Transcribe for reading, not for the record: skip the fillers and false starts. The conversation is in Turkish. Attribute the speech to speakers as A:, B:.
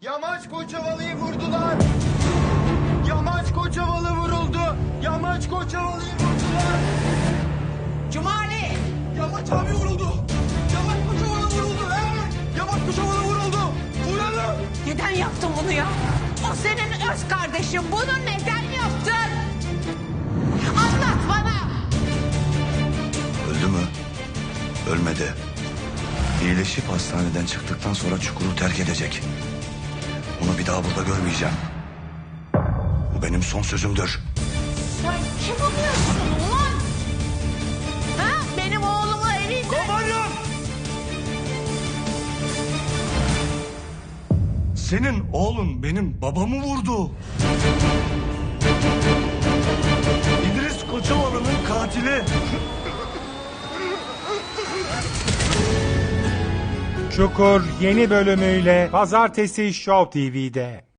A: Yamaç Koçovalı'yı vurdular. Yamaç Koçovalı vuruldu. Yamaç Koçovalı'yı vurdular.
B: Cumali!
A: Yamaç abi vuruldu. Yamaç Koçovalı vuruldu. Evet. Yamaç Koçovalı vuruldu. Vuralım.
B: Neden yaptın bunu ya? O senin öz kardeşin. Bunu neden yaptın? Anlat bana!
C: Öldü mü? Ölmedi. İyileşip hastaneden çıktıktan sonra çukuru terk edecek. Onu bir daha burada görmeyeceğim. Bu benim son sözümdür.
B: Sen kim oluyorsun ulan? Ha? Benim oğlumu elinde...
C: Komutanım! Senin oğlun benim babamı vurdu. İdris Koçovalı'nın katili.
D: Çukur yeni bölümüyle Pazartesi Show TV'de.